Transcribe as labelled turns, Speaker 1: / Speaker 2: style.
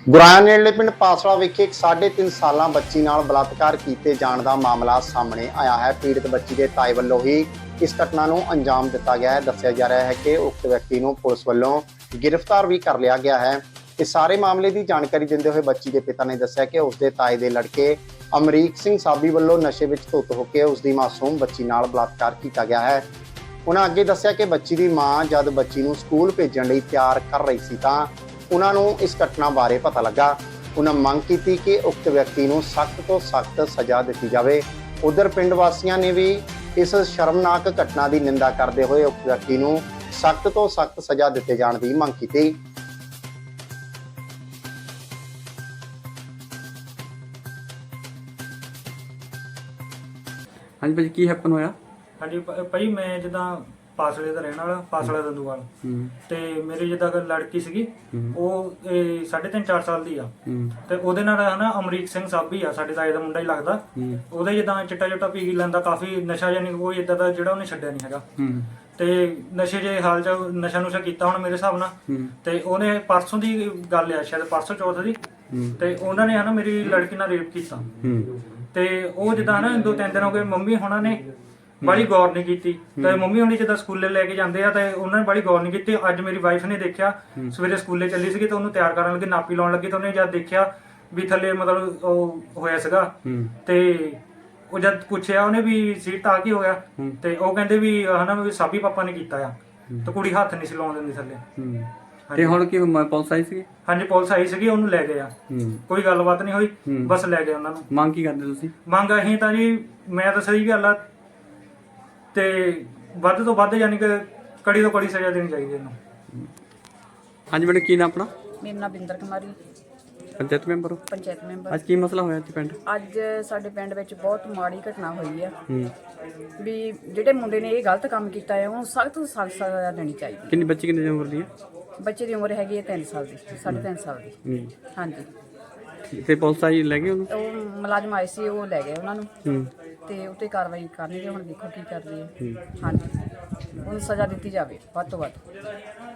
Speaker 1: ਗੁਰਾਇਆ ਨੇੜਲੇ ਪਿੰਡ ਪਾਸਲਾ ਵਿਖੇ ਇੱਕ 3.5 ਸਾਲਾਂ ਬੱਚੀ ਨਾਲ ਬਲਾਤਕਾਰ ਕੀਤੇ ਜਾਣ ਦਾ ਮਾਮਲਾ ਸਾਹਮਣੇ ਆਇਆ ਹੈ। ਪੀੜਤ ਬੱਚੀ ਦੇ ਤਾਏ ਵੱਲੋਂ ਹੀ ਇਸ ਘਟਨਾ ਨੂੰ ਅੰਜਾਮ ਦਿੱਤਾ ਗਿਆ ਹੈ। ਦੱਸਿਆ ਜਾ ਰਿਹਾ ਹੈ ਕਿ ਉਕਤ ਵਿਅਕਤੀ ਨੂੰ ਪੁਲਿਸ ਵੱਲੋਂ ਗ੍ਰਿਫਤਾਰ ਵੀ ਕਰ ਲਿਆ ਗਿਆ ਹੈ। ਇਸ ਸਾਰੇ ਮਾਮਲੇ ਦੀ ਜਾਣਕਾਰੀ ਦਿੰਦੇ ਹੋਏ ਬੱਚੀ ਦੇ ਪਿਤਾ ਨੇ ਦੱਸਿਆ ਕਿ ਉਸ ਦੇ ਤਾਏ ਦੇ ਲੜਕੇ ਅਮਰੀਕ ਸਿੰਘ ਸਾਬੀ ਵੱਲੋਂ ਨਸ਼ੇ ਵਿੱਚ ਧੁੱਤ ਹੋ ਕੇ ਉਸ ਦੀ ਮਾਸੂਮ ਬੱਚੀ ਨਾਲ ਬਲਾਤਕਾਰ ਕੀਤਾ ਗਿਆ ਹੈ। ਉਹਨਾਂ ਅੱਗੇ ਦੱਸਿਆ ਕਿ ਬੱਚੀ ਦੀ ਮਾਂ ਜਦ ਬੱਚੀ ਨੂੰ ਸਕੂਲ ਭੇਜਣ ਲਈ ਤਿਆਰ ਕਰ ਰਹੀ ਸੀ ਤਾਂ ਉਹਨਾਂ ਨੂੰ ਇਸ ਘਟਨਾ ਬਾਰੇ ਪਤਾ ਲੱਗਾ। ਉਹਨਾਂ ਮੰਗ ਕੀਤੀ ਕਿ ਉਕਤ ਵਿਅਕਤੀ ਨੂੰ ਸਖਤ ਤੋਂ ਸਖਤ ਸਜ਼ਾ ਦਿੱਤੀ ਜਾਵੇ। ਉਧਰ ਪਿੰਡ ਵਾਸੀਆਂ ਨੇ ਵੀ ਇਸ ਸ਼ਰਮਨਾਕ ਘਟਨਾ ਦੀ ਨਿੰਦਾ ਕਰਦੇ ਹੋਏ ਉਕਤ ਵਿਅਕਤੀ ਨੂੰ ਸਖਤ ਤੋਂ ਸਖਤ ਸਜ਼ਾ ਦਿੱਤੇ ਜਾਣ ਦੀ ਮੰਗ ਕੀਤੀ।
Speaker 2: हाँ जी भाजी की हैपन होया?
Speaker 3: हाँ जी भाई मैं जिदा ਪਾਸਲੇ ਦਾ ਰਹਿਣ ਵਾਲਾ ਪਾਸਲਾ ਦੰਦੂਵਾਲ ਤੇ ਮੇਰੀ ਜਿੱਦਾਂ ਲੜਕੀ ਸੀਗੀ ਉਹ 3.5-4 ਸਾਲ ਦੀ ਆ ਤੇ ਉਹਦੇ ਨਾਲ ਹਨਾ ਅਮਰੀਕ ਸਿੰਘ ਸਾਬੀ ਆ ਸਾਡੇ ਤਾਏ ਦਾ ਮੁੰਡਾ ਹੀ ਲੱਗਦਾ। ਉਹਦੇ ਜਿੱਦਾਂ ਚਿੱਟਾ ਪੀ ਲੈਂਦਾ, ਕਾਫੀ ਨਸ਼ਾ ਜਾਨੀ ਕੋਈ ਇਦਾਂ ਦਾ ਜਿਹੜਾ ਉਹਨੇ ਛੱਡਿਆ ਨਹੀਂ ਹੈਗਾ ਤੇ ਨਸ਼ੇ ਜੇ ਹਾਲ ਚ ਨਸ਼ਾ ਕੀਤਾ ਹੁਣ ਮੇਰੇ ਹਿਸਾਬ ਨਾਲ। ਤੇ ਉਹਨੇ ਪਰਸੋਂ ਦੀ ਗੱਲ ਆ, ਸ਼ਾਇਦ ਪਰਸੋਂ ਚੌਥ ਦੀ, ਤੇ ਉਹਨਾਂ ਨੇ ਹਨਾ ਮੇਰੀ ਲੜਕੀ ਨਾਲ ਰੇਪ ਕੀਤਾ ਤੇ ਉਹ ਜਿੱਦਾਂ ਹਨਾ 2-3 ਦਿਨ ਹੋ ਗਏ ਮੰਮੀ ਹੁਣਾਂ ਨੇ ਬੜੀ ਗੌਰ ਨਹੀਂ ਕੀਤੀ। ਤੇ ਮੰਮੀ ਹੁਣੀ ਜਿੱਦਾਂ ਸਕੂਲੇ ਲੈ ਕੇ ਜਾਂਦੇ ਆ ਤੇ ਉਹਨਾਂ ਨੇ ਬੜੀ ਗੌਰ ਨਹੀਂ ਕੀਤੀ। ਅੱਜ ਮੇਰੀ ਵਾਈਫ ਨੇ ਦੇਖਿਆ, ਸਵੇਰੇ ਸਕੂਲੇ ਚੱਲੀ ਸੀਗੀ ਤੇ ਉਹਨੂੰ ਤਿਆਰ ਕਰਨ ਲੱਗੀ, ਨਾਪੀ ਲਾਉਣ ਲੱਗੀ ਤੇ ਉਹਨੇ ਜਦ ਦੇਖਿਆ ਵੀ ਥੱਲੇ ਮਤਲਬ ਉਹ ਹੋਇਆ ਸੀਗਾ ਤੇ ਉਹ ਜਦ ਪੁੱਛਿਆ ਉਹਨੇ ਵੀ ਸੀਟ ਆ ਕੀ ਹੋਇਆ ਤੇ ਉਹ ਕਹਿੰਦੇ ਵੀ ਹਨਾ ਵੀ ਸਾਬੀ ਪਾਪਾ ਨੇ ਕੀਤਾ ਆ ਤੇ ਕੁੜੀ ਹੱਥ ਨਹੀਂ ਸੀ ਲਾਉਣ ਦਿੰਦੀ ਥੱਲੇ।
Speaker 2: ਤੇ ਹੁਣ ਕੀ ਪੁਲਿਸ ਆਈ ਸੀ?
Speaker 3: ਹਾਂਜੀ ਪੁਲਿਸ ਆਈ ਸੀਗੀ, ਉਹਨੂੰ ਲੈ ਗਏ ਆ। ਕੋਈ ਗੱਲਬਾਤ ਨਹੀਂ ਹੋਈ, ਬਸ ਲੈ ਗਏ ਉਹਨਾਂ ਨੂੰ।
Speaker 2: ਮੰਗ ਕੀ ਕਰਦੇ ਤੁਸੀਂ?
Speaker 3: ਮੰਗ ਅਸੀਂ ਤਾਂ ਜੀ, ਮੈਂ ਤਾਂ ਸਹੀ ਗੱਲ ਆ ਤੇ ਵੱਧ ਤੋਂ ਵੱਧ ਯਾਨੀ ਕਿ ਕੜੀ ਤੋਂ ਕੜੀ ਸਜ਼ਾ ਦੇਣੀ ਚਾਹੀਦੀ ਇਹਨੂੰ।
Speaker 2: ਹਾਂਜੀ ਮੈਡਮ ਕੀ ਨਾਮ ਆਪਣਾ?
Speaker 4: ਮੇਰਾ ਨਾਮ ਬਿੰਦਰ ਕੁਮਾਰੀ,
Speaker 2: ਪੰਚਾਇਤ ਮੈਂਬਰ ਹੋ?
Speaker 4: ਪੰਚਾਇਤ ਮੈਂਬਰ।
Speaker 2: ਅੱਜ ਕੀ ਮਸਲਾ ਹੋਇਆ ਇੱਥੇ ਪਿੰਡ?
Speaker 4: ਅੱਜ ਸਾਡੇ ਪਿੰਡ ਵਿੱਚ ਬਹੁਤ ਮਾੜੀ ਘਟਨਾ ਹੋਈ ਆ ਵੀ ਜਿਹੜੇ ਮੁੰਡੇ ਨੇ ਇਹ ਗਲਤ ਕੰਮ ਕੀਤਾ ਹੈ ਉਹਨੂੰ ਸਖਤ ਤੋਂ ਸਖਤ ਸਜ਼ਾ ਦੇਣੀ ਚਾਹੀਦੀ।
Speaker 2: ਕਿੰਨੀ ਬੱਚੀ ਕਿੰਨੀ ਉਮਰ ਦੀ ਹੈ?
Speaker 4: ਬੱਚੇ ਦੀ ਉਮਰ ਹੈਗੀ ਹੈ 3 ਸਾਲ ਦੀ, 3.5 ਸਾਲ ਦੀ। ਹਾਂਜੀ
Speaker 2: ਤੇ ਪੁਲਿਸ ਆਈ ਲੈ ਗਏ ਉਹਨੂੰ?
Speaker 4: ਉਹ ਮੁਲਾਜ਼ਮ ਆਏ ਸੀ, ਉਹ ਲੈ ਗਏ ਉਹਨਾਂ ਨੂੰ ਤੇ ਉੱਤੇ ਕਾਰਵਾਈ ਕਰਨਗੇ। ਹੁਣ ਦੇਖੋ ਕੀ ਕਰਦੇ ਆ। ਹਾਂਜੀ ਉਹਨੂੰ ਸਜ਼ਾ ਦਿੱਤੀ ਜਾਵੇ ਵੱਧ ਤੋਂ ਵੱਧ।